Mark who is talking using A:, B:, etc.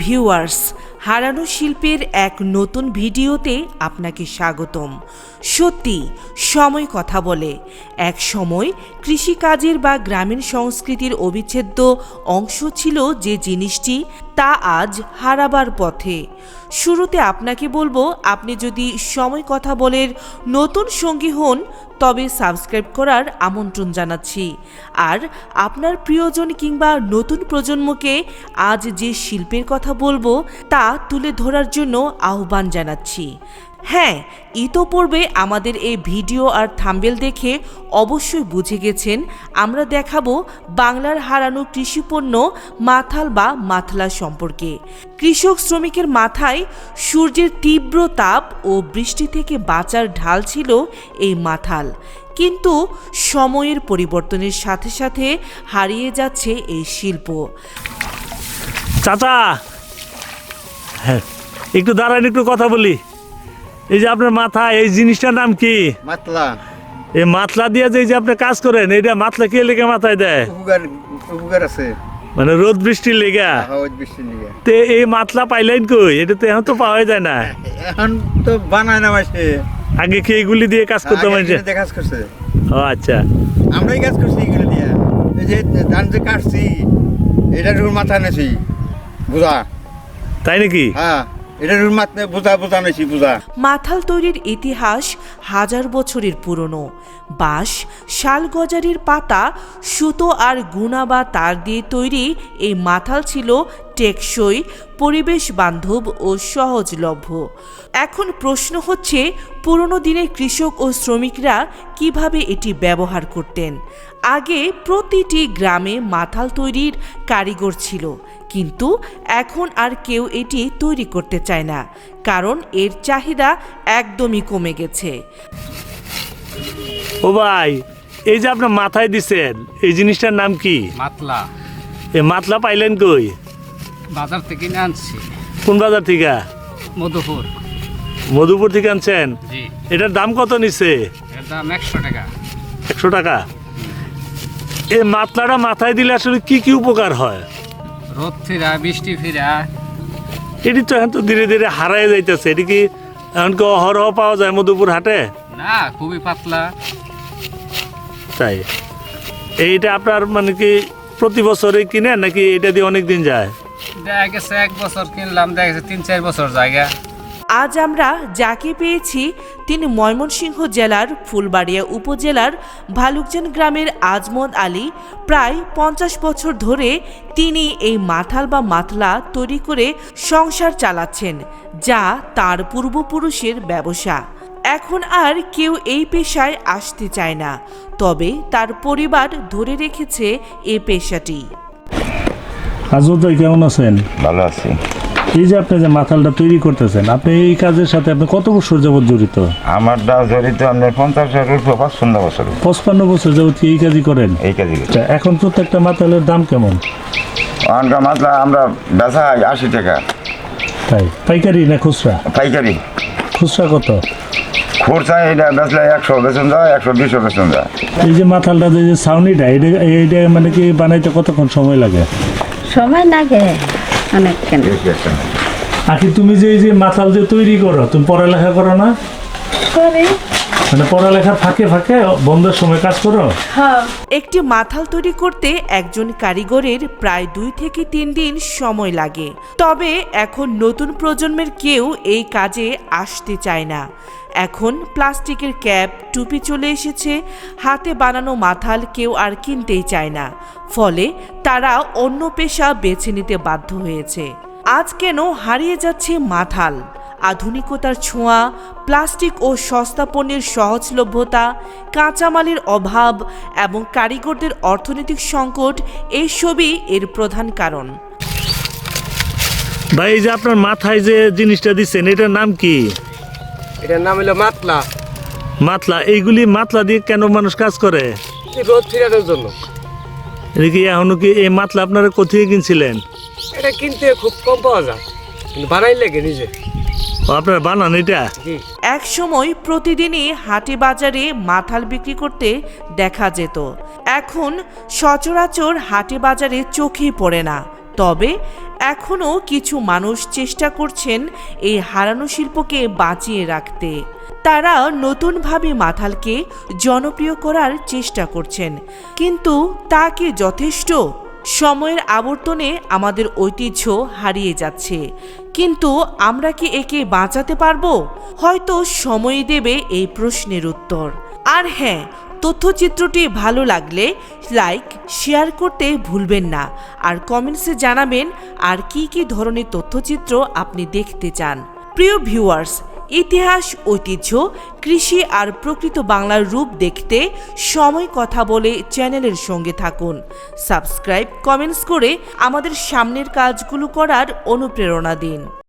A: Viewers, হারানো শিল্পের এক নতুন ভিডিওতে আপনাকে স্বাগতম। সত্যি সময় কথা বলে। এক সময় কৃষিকাজের বা গ্রামীণ সংস্কৃতির অবিচ্ছেদ্য অংশ ছিল যে জিনিসটি, তা আজ হারাবার পথে। শুরুতে আপনাকে বলবো, আপনি যদি সময় কথা বলের নতুন সঙ্গী হন তবে সাবস্ক্রাইব করার আমন্ত্রণ জানাচ্ছি। আর আপনার প্রিয়জন কিংবা নতুন প্রজন্মকে আজ যে শিল্পের কথা বলবো তা তুলে ধরার জন্য আহ্বান জানাচ্ছি। হ্যাঁ, ইতোপূর্বে আমাদের এই ভিডিও আর থাম্বনেল দেখে অবশ্যই বুঝে গেছেন আমরা দেখাবো বাংলার হারানো কৃষিপণ্য মাথাল বা মাথলা সম্পর্কে। কৃষক শ্রমিকের মাথায় সূর্যের তীব্র তাপ ও বৃষ্টি থেকে বাঁচার ঢাল ছিল এই মাথাল, কিন্তু সময়ের পরিবর্তনের সাথে সাথে হারিয়ে যাচ্ছে এই শিল্প।
B: চাচা, হ্যাঁ একটু দাঁড়ান, একটু কথা বলি। এই যে আপনার মাথায় এই জিনিসটার নাম কি?
C: মাতলা।
B: এই মাতলা দিয়ে যে আপনি কাজ করেন, এটা মাতলা কে লেগে মাথায় দেয়?
C: উপকার আছে,
B: মানে রোদ বৃষ্টির লেগা। তে এই মাতলা পাইলেন কই? এটা তো এখন তো পাওয়া যায় না।
C: এখন তো বানায় না মাসে।
B: আগে কি এগুলি দিয়ে কাজ করতে মানুষে?
C: কাজ করছে।
B: ও আচ্ছা,
C: আমরাই কাজ করছি এগুলো দিয়ে। এই যে ধান যে কাটছি, এটা রুর মাথা নেছি বুঝা।
B: তাই নাকি?
C: হ্যাঁ, এটা রুর মাথা বুঝা নেছি বুঝা।
A: মাথাল তৈরির ইতিহাস হাজার বছরের পুরনো। বাঁশ, শালগজারির পাতা, সুতো আর গুণা বা তার দিয়ে তৈরি এই মাথাল ছিল টেকসই, পরিবেশ বান্ধব ও সহজলভ্য। এখন প্রশ্ন হচ্ছে, পুরনো দিনের কৃষক ও শ্রমিকরা কিভাবে এটি ব্যবহার করতেন? আগে প্রতিটি গ্রামে মাথাল তৈরির কারিগর ছিল, কিন্তু এখন আর কেউ এটি তৈরি করতে চায় না, কারণ এর চাহিদা একদমই কমে গেছে।
B: ও ভাই, এই যে আপনার মাথায় দিচ্ছেন এই জিনিসটার নাম কি?
D: মাতলা।
B: এই মাতলা পাইলেন কই?
D: বাজার থেকে কিনে আনছি।
B: কোন বাজার থেকে?
D: মধুপুর।
B: মধুপুর থেকে আনছেন?
D: জি।
B: এটার দাম কত নিচ্ছে?
D: এর দাম 100 টাকা।
B: 100 টাকা। এই মাতলাটা মাথায় দিলে আসলে কি কি উপকার হয়?
D: রোদ ফিরা, বৃষ্টি ফিরা।
B: এটি তো এখন তো ধীরে ধীরে হারাই যাইতেছে। এটি কি এখন কি অহরহ পাওয়া যায় মধুপুর হাটে?
D: না, খুবই পাতলা।
B: তাই এইটা আপনার মানে কি প্রতি বছরে কিনেন নাকি এটা দিয়ে অনেক দিন যায়?
D: দেখা গেছে 1 বছর কিনলাম, দেখা গেছে 3-4 বছর জায়গা।
A: আজ আমরা যাকে পেয়েছি তিনি ময়মনসিংহ জেলার ফুলবাড়িয়া উপজেলার ভালুকজান গ্রামের আজমত আলী। প্রায় 50 বছর ধরে তিনি এই মাথাল বা মাতলা তৈরি করে সংসার চালাচ্ছেন, যা তার পূর্বপুরুষের ব্যবসা। এখন আর কেউ এই পেশায় আসতে চায় না, তবে তার পরিবার ধরে রেখেছে এই পেশাটি।
B: আজমত ভাই, কেমন আছেন?
E: ভালো আছি।
B: এই যে আপনি যে মাথালটা তৈরি করতেছেন, আপনি এই কাজের সাথে আপনি কত বছর যাবত জড়িত?
E: আমারটা জড়িত আপনার 50 বছর।
B: 55 বছর যাবত এই কাজই করেন?
E: এই কাজই করি।
B: এখন প্রত্যেকটা মাথালের দাম কেমন?
E: অনকা মাতলা আমরা বেচা 80 টাকা।
B: তাই পাইকারি না খুচরা?
E: পাইকারি।
B: খুচরা কত?
E: খুচরা এটা বেচলে 100 বেচন যায়, 120 বেচন যায়।
B: এই যে মাথালটা যে ছাউনিটা, এটা মানে কি বানাইতে কতক্ষণ সময় লাগে?
F: সময় লাগে অনেক। কেন
B: আখি, তুমি যে এই যে মাথাল যে তৈরি করো, তুমি পড়ালেখা করো না?
F: করি।
B: মানে পড়ালেখার ফাঁকে ফাঁকে বন্ধের সময় কাজ করো?
F: হ্যাঁ।
A: একটি মাথাল তৈরি করতে একজন কারিগরের প্রায় 2 থেকে 3 দিন সময় লাগে। তবে এখন নতুন প্রজন্মের কেউ এই কাজে আসতে চায় না। এখন প্লাস্টিকের ক্যাপ, টুপি চলে এসেছে, হাতে বানানো মাথাল কেউ আর কিনতেই চায় না। ফলে তারা অন্য পেশা বেছে নিতে বাধ্য হয়েছে। আজ কেন হারিয়ে যাচ্ছে মাথাল? আধুনিকতার ছোঁয়া, প্লাস্টিক ও সস্তা পণ্যের সহজলভ্যতা, কাঁচামালের অভাব এবং কারিগরদের অর্থনৈতিক সংকট এইসবই এর প্রধান কারণ।
B: ভাই, এই যে আপনার মাথায় যে জিনিসটা দিচ্ছেন এটার নাম কি?
G: এটার নাম হলো মাতলা।
B: মাতলা। এইগুলি মাতলা দিয়ে কেন মানুষ কাজ করে?
G: রোদ ফিরানোর জন্য।
B: এটা কি এখনো কি এই মাতলা আপনারা কোথায় কিনছিলেন?
G: এটা কিনতে খুব কম পাওয়া যায়, কিন্তু বানাই লাগে নিজে।
B: আপনারা বানান এটা?
A: এক সময় প্রতিদিনই হাটে বাজারে মাথাল বিক্রি করতে দেখা যেত। এখন সচরাচর হাটে বাজারে চোখেই পড়ে না। তবে এখনও কিছু মানুষ চেষ্টা করছেন এই হারানো শিল্পকে বাঁচিয়ে রাখতে। তারা নতুনভাবে মাথালকে জনপ্রিয় করার চেষ্টা করছেন, কিন্তু তা কি যথেষ্ট? সময়ের আবর্তনে আমাদের ঐতিহ্য হারিয়ে যাচ্ছে, কিন্তু আমরা কি একে বাঁচাতে পারবো? হয়তো সময়ই দেবে এই প্রশ্নের উত্তর। আর হ্যাঁ, তথ্যচিত্রটি ভালো লাগলে লাইক শেয়ার করতে ভুলবেন না, আর কমেন্টসে জানাবেন আর কি কি ধরনের তথ্যচিত্র আপনি দেখতে চান। প্রিয় ভিউয়ার্স, ইতিহাস, ঐতিহ্য, কৃষি আর প্রকৃত বাংলার রূপ দেখতে সময় কথা বলে চ্যানেলের সঙ্গে থাকুন। সাবস্ক্রাইব, কমেন্টস করে আমাদের সামনের কাজগুলো করার অনুপ্রেরণা দিন।